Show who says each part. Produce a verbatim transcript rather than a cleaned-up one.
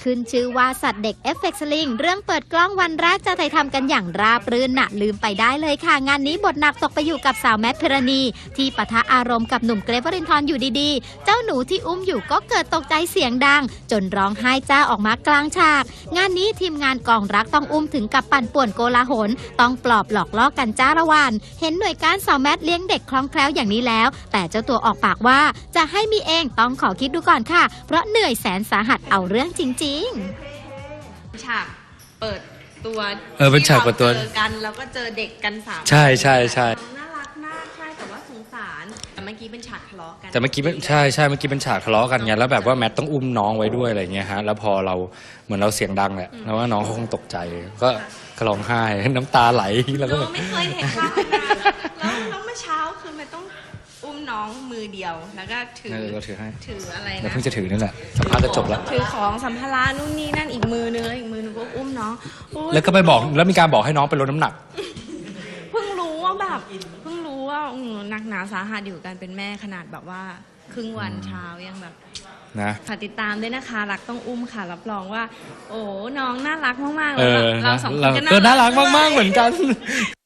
Speaker 1: ขึ้นชื่อว่าสัตว์เด็กเอฟเฟกต์สลิงเรื่องเปิดกล้องวันแรกจะถ่ายทำกันอย่างราบรื่นน่ะลืมไปได้เลยค่ะงานนี้บทหนักตกไปอยู่กับสาวแมทพิรณีที่ปะทะอารมณ์กับหนุ่มเกรทวรินทร์อยู่ดีๆเจ้าหนูที่อุ้มอยู่ก็เกิดตกใจเสียงดังจนร้องไห้จ้าออกมากลางฉากงานนี้ทีมงานกองรักต้องอุ้มถึงกับปั่นป่วนโกลาหลต้องปลอบหลอกล่อกันจ้าละวันเห็นหน่วยการสาวแมทเลี้ยงเด็กคล่องแคล่วอย่างนี้แล้วแต่เจ้าตัวออกปากว่าจะให้มีเองต้องขอคิดดูก่อนค่ะเพราะเหนื่อยแสนสาหัสเอาเรื่องจริงๆ
Speaker 2: ฉากเปิดตัว
Speaker 3: เออเป็นฉากเปิดตัว
Speaker 2: เจอกันแล้วก็เจอเด็กกันสาม
Speaker 3: ใช่ใช่ใช่
Speaker 2: น่ารักมากใช่แต่ว่าสงสารแต่เมื่อกี้เป็นฉากทะเลาะกัน
Speaker 3: แต่เมื่อกี้เป็นใช่ใช่เมื่อกี้เป็นฉากทะเลาะกันไงแล้วแบบว่าแมทต้องอุ้มน้องไว้ด้วยอะไรเงี้ยฮะแล้วพอเราเหมือนเราเสียงดังแหละแล้วว่าน้องเขาคงตกใจก็ร้องไห้น้ำตาไหลแล้วก็แบบ
Speaker 2: ไม่เคยเห็นภาพนั้นแล้วแล้วเมื่อเช้าคือมันต้องอุ้มน้องมือเดียวแล้วก็ถือ
Speaker 3: เราถือให้
Speaker 2: ถืออะไรนะ
Speaker 3: เราเพิ่งจะถือนั่นแหละสัมภาษณ์ก็จบแล้ว
Speaker 2: ถือของสัมภาระนู่นนี่นั่นอีกมือนึงแล้วอีกมือนึงก็อุ้มน้อง
Speaker 3: แล้วก็ไปบอกแล้วมีการบอกให้น้องไปลดน้ำหนัก
Speaker 2: เพิ่งรู้ว่าแบบเพิ่งรู้ว่าหนักหนาสาหัสอยู่กันเป็นแม่ขนาดแบบว่าครึ่งวันเช้ายังแบบ
Speaker 3: นะ
Speaker 2: ฝากติดตามด้วยนะคะรักต้องอุ้มค่ะรับรองว่าโอ้น้องน่ารักมากๆเลยเราสองคนก็
Speaker 3: น่ารักมากๆเหมือนกัน